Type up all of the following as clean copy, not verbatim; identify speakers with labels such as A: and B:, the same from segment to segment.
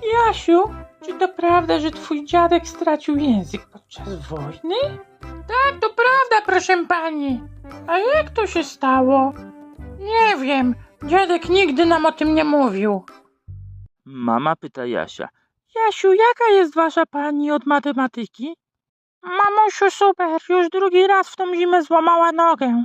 A: Jasiu, czy to prawda, że twój dziadek stracił język podczas wojny? Tak, to prawda, proszę pani. A jak to się stało? Nie wiem, dziadek nigdy nam o tym nie mówił.
B: Mama pyta Jasia.
A: Jasiu, jaka jest wasza pani od matematyki? Mamusiu, super, już drugi raz w tą zimę złamała nogę.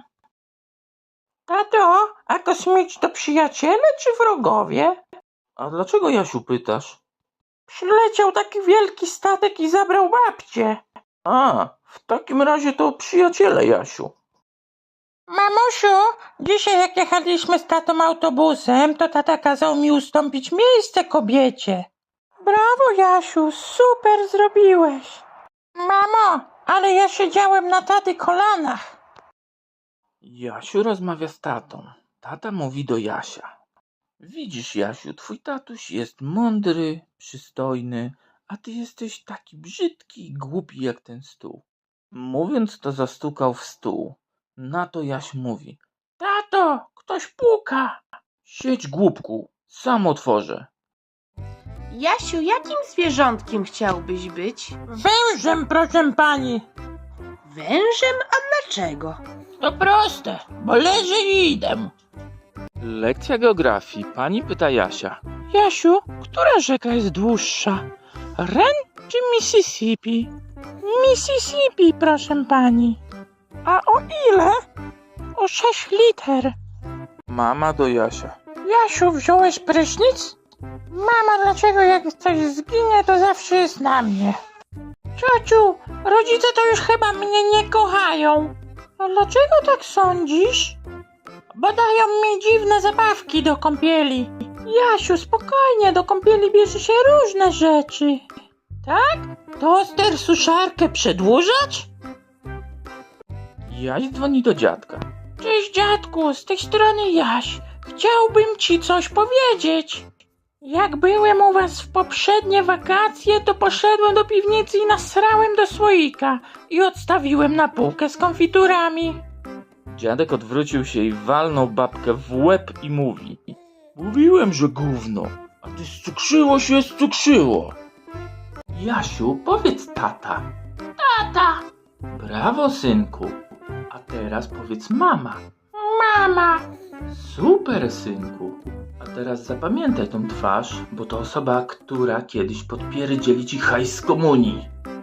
A: Tato, a kosmici to przyjaciele czy wrogowie?
B: A dlaczego, Jasiu, pytasz?
A: Przyleciał taki wielki statek i zabrał babcię.
B: A, w takim razie to przyjaciele, Jasiu.
A: Mamusiu, dzisiaj jak jechaliśmy z tatą autobusem, to tata kazał mi ustąpić miejsce kobiecie. Brawo, Jasiu, super zrobiłeś. Mamo, ale ja siedziałem na taty kolanach.
B: Jasiu rozmawia z tatą. Tata mówi do Jasia. Widzisz, Jasiu, twój tatuś jest mądry, przystojny, a ty jesteś taki brzydki i głupi jak ten stół. Mówiąc to, zastukał w stół. Na to Jaś mówi.
A: Tato, ktoś puka.
B: Siedź, głupku, sam otworzę.
C: Jasiu, jakim zwierzątkiem chciałbyś być?
A: Wężem, proszę pani.
C: Wężem? A dlaczego?
A: To proste, bo leżę i idę.
B: Lekcja geografii. Pani pyta Jasia.
A: Jasiu, która rzeka jest dłuższa? Ren czy Mississippi? Mississippi, proszę pani. A o ile? O 6 liter.
B: Mama do Jasia.
A: Jasiu, wziąłeś prysznic? Mama, dlaczego jak coś zginie, to zawsze jest na mnie? Ciociu, rodzice to już chyba mnie nie kochają. A dlaczego tak sądzisz? Bo dają mi dziwne zabawki do kąpieli. Jasiu, spokojnie, do kąpieli bierze się różne rzeczy. Tak? Toster, suszarkę przedłużać?
B: Jaś dzwoni do dziadka.
A: Cześć dziadku, z tej strony Jaś. Chciałbym ci coś powiedzieć. Jak byłem u was w poprzednie wakacje, to poszedłem do piwnicy i nasrałem do słoika i odstawiłem na półkę z konfiturami.
B: Dziadek odwrócił się i walnął babkę w łeb i mówi. Mówiłem, że gówno, a ty scukrzyło się scukrzyło. Jasiu, powiedz tata.
A: Tata,
B: Brawo, synku. A teraz powiedz mama.
A: mama,
B: Super, synku. A teraz zapamiętaj tą twarz, bo to osoba, która kiedyś podpierdzieli ci hajs z komunii.